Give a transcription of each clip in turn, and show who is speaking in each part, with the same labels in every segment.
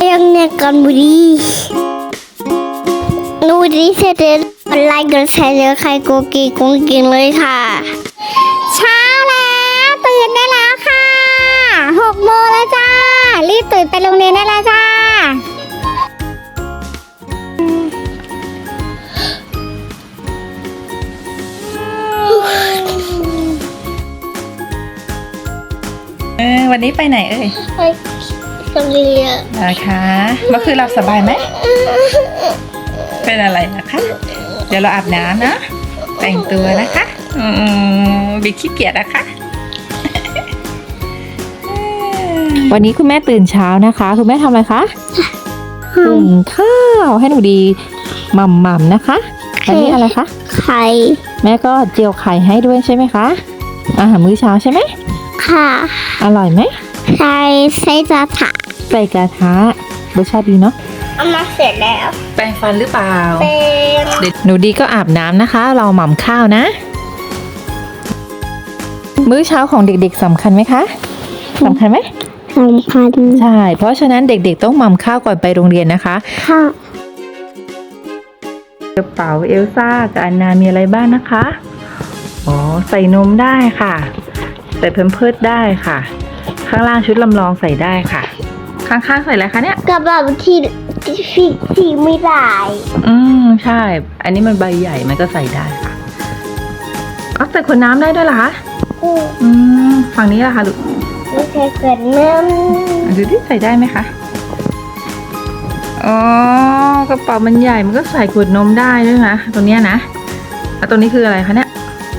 Speaker 1: ยังเนี่ยกันบุรีนูดีเสร็จแล้วไลค์กดแชร์ใครโกกีกงกินเลยค่ะเช้าแล้วตื่นได้แล้วค่ะ6 โมงแล้วจ้ารีบตื่นไปโรงเรียนได้แล้วจ้า
Speaker 2: วันนี้ไปไหนเอ่ย
Speaker 1: ไปโรงเรียน
Speaker 2: นะคะเมื่อคืนหลับสบายไหมเป็นอะไรนะคะ เดี๋ยวเราอาบน้ำนะแต่งตัวนะคะบิ๊กขี้เกียจนะคะ วันนี้คุณแม่ตื่นเช้านะคะคุณแม่ทำอะไรคะหุงข้าวให้หนูดีหม่ำๆนะคะอันนี้อะไรคะ
Speaker 1: ไข่
Speaker 2: แม่ก็เจียวไข่ให้ด้วยใช่ไหมคะอาหารมื้อเช้าใช่ไหม
Speaker 1: ค่ะ
Speaker 2: อร่อยไหม
Speaker 1: ใส่กระทะ
Speaker 2: ใส่กระทะรสชาติดีเนาะ
Speaker 1: เอามาเสร็จแล้ว
Speaker 2: แปรงฟันหรือเปล่า
Speaker 1: เป็น
Speaker 2: หนูดีก็อาบน้ำนะคะเราหม่ำข้าวนะมื้อเช้าของเด็กๆสำคัญไหมคะสำคัญไหม
Speaker 1: สำคัญ
Speaker 2: ใช่เพราะฉะนั้นเด็กๆต้องหม่ำข้าวก่อนไปโรงเรียนนะคะ
Speaker 1: ค่ะ
Speaker 2: กระเป๋าเอลซ่ากับอันนามีอะไรบ้างนะคะอ๋อใส่นมได้ค่ะใส่แพมเพิร์สได้ค่ะข้างล่างชุดลำลองใส่ได้ค่ะข้างๆใส่อะไรคะเนี่ย
Speaker 1: กระเป๋าที่ไม่ได้
Speaker 2: ใช่อันนี้มันใบใหญ่มันก็ใส่ได้ค่ะอ๋อใส่ขวดน้ำได้ด้วยเหรอคะฝั่งนี้ล่ะคะลูก
Speaker 1: ไม่ใช่ขวดน้ำ
Speaker 2: ดูที่ใส่ได้ไหมคะอ๋อกระเป๋ามันใหญ่มันก็ใส่ขวดนมได้ด้วยนะตรงเนี้ยนะตรงนี้คืออะไรคะเนี่ย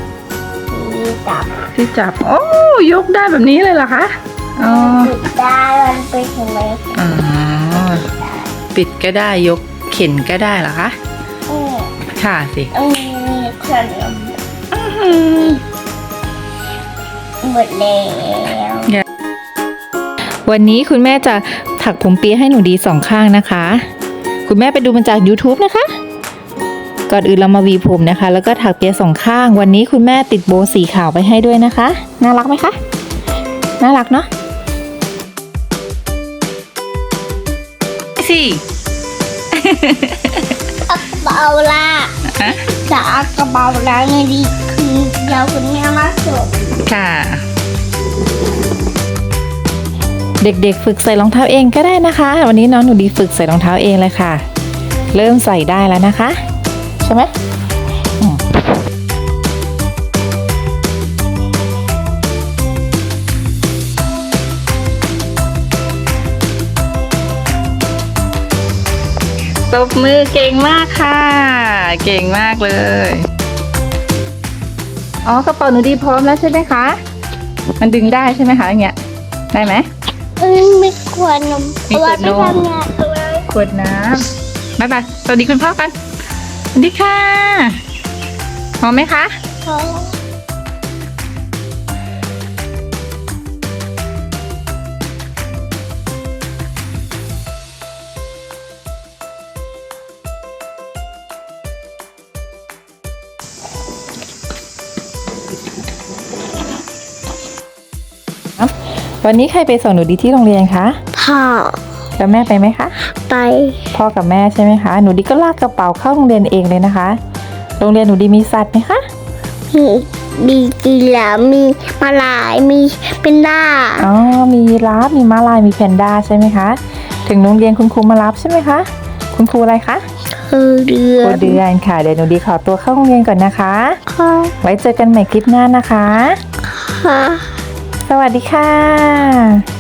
Speaker 2: ที่จับโอ้ยกได้แบบนี้เลยเหรอคะ
Speaker 1: อ๋อปิดได้มันไปถึงไหม
Speaker 2: อ๋อปิดก็ได้ยกเข็นก็ได้เหรอคะค่ะสิ
Speaker 1: ขนมหมดแล้ว
Speaker 2: วันนี้คุณแม่จะถักผมเปียให้หนูดี2 ข้างนะคะคุณแม่ไปดูมันจาก YouTube นะคะก่อนอื่นเรามาวีผมนะคะแล้วก็ถักเปีย2 ข้างวันนี้คุณแม่ติดโบว์สีขาวไปให้ด้วยนะคะน่ารักไหมคะน่ารักเนาะสิ
Speaker 1: กระเป๋าละจะเอากระเป๋าละไงดีคือเดี๋ยวคุณแม่มาส่ง
Speaker 2: ค่ะเด็กๆฝึกใส่รองเท้าเองก็ได้นะคะวันนี้น้องหนูดีฝึกใส่รองเท้าเองเลยค่ะเริ่มใส่ได้แล้วนะคะใช่ไหมตบมือเก่งมากค่ะเก่งมากเลยอ๋อกระเป๋าหนูดีพร้อมแล้วใช่ไหมคะมันดึงได้ใช่ไหมคะอย่างเงี้ยได้ไหม
Speaker 1: ไม่ขวดนม
Speaker 2: มีขวดนมขวดน้ำบ๊ายบายสวัสดีคุณพ่อกันสวัสดีค่ะพร้อมไหมคะ
Speaker 1: พร้อ
Speaker 2: มวันนี้ใครไปส่งหนูดีที่โรงเรียนคะ
Speaker 1: พ่อ
Speaker 2: แล้วแม่ไปไหมคะ
Speaker 1: ไป
Speaker 2: พ่อกับแม่ใช่ไหมคะหนูดีก็ลากกระเป๋าเข้าโรงเรียนเองเลยนะคะโรงเรียนหนูดีมีสัตว์ไหมคะ
Speaker 1: มีกีฬามีม้าลายมีแพนด้า
Speaker 2: อ๋อมียีราฟมีม้าลายมีแพนด้าใช่ไหมคะถึงโรงเรียนคุณครูมารับใช่ไหมคะคุณครูอะไรคะ
Speaker 1: ครูเดื
Speaker 2: อนค่ะเดี๋ยวหนูดีขอตัวเข้าโรงเรียนก่อนนะคะ
Speaker 1: ค่ะ
Speaker 2: ไว้เจอกันใหม่คลิปหน้านะคะ
Speaker 1: ค่ะ
Speaker 2: สวัสดีค่ะ